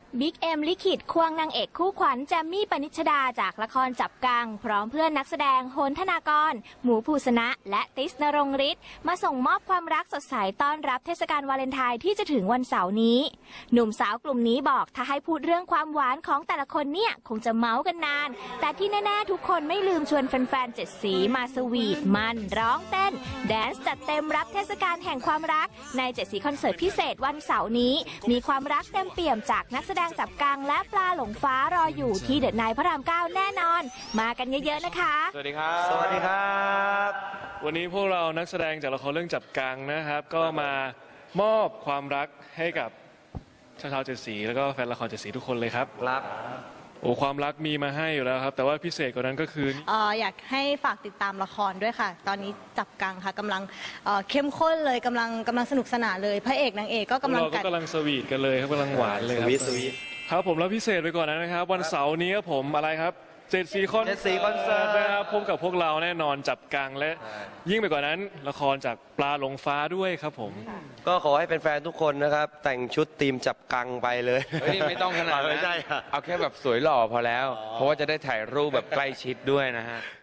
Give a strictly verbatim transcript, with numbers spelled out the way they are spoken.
บิ๊กเอ็มลิขิตควงนางเอกคู่ขวัญแจมมี่ปณิชดาจากละครจับกังพร้อมเพื่อนนักแสดงโหนธนากรหมูภูสนะและติสนรงค์ฤทธิ์มาส่งมอบความรักสดใสต้อนรับเทศกาลวาเลนไทน์ที่จะถึงวันเสาร์นี้หนุ่มสาวกลุ่มนี้บอกถ้าให้พูดเรื่องความหวานของแต่ละคนเนี่ยคงจะเมาส์กันนานแต่ที่แน่ๆทุกคนไม่ลืมชวนแฟนๆเจ็ดสีมาสวีทมันร้องเต้นแดนซ์จัดเต็มรับเทศกาลแห่งความรักในเจ็ดสีคอนเสิร์ตพิเศษวันเสาร์นี้มีความรักเต็มเปี่ยมจากนักแสดงจับกังและปลาหลงฟ้ารออยู่ที่เดอะไนท์พระรามเก้าแน่นอนมากันเยอะๆนะคะสวัสดีครับสวัสดีครับวันนี้พวกเรานักแสดงจากละครเรื่องจับกังนะครับก็มามอบความรักให้กับชาวชาวเจ็ดสีแล้วก็แฟนละครเจ็ดสีทุกคนเลยครับครับโอ้ความรักมีมาให้อยู่แล้วครับแต่ว่าพิเศษกว่านั้นก็คือเอออยากให้ฝากติดตามละครด้วยค่ะตอนนี้จับกังค่ะกำลังเอ่อเข้มข้นเลยกำลังกำลังสนุกสนานเลยพระเอกนางเอกก็กำลังเราก็กำลังสวีทกันเลยครับกำลังหวานเลยครับสวีทครับผมแล้วพิเศษไปก่อนนะครับวันเสาร์นี้ครับผมอะไรครับเจ็ดสีคอนเสิร์ตนะครับพบกับพวกเราแน่นอนจับกังและยิ่งไปกว่านั้นละครจากปลาหลงฟ้าด้วยครับผมก็ขอให้เป็นแฟนทุกคนนะครับแต่งชุดทีมจับกังไปเลยไม่ต้องขนาดนั้นเอาแค่แบบสวยหล่อพอแล้วเพราะว่าจะได้ถ่ายรูปแบบใกล้ชิดด้วยนะฮะ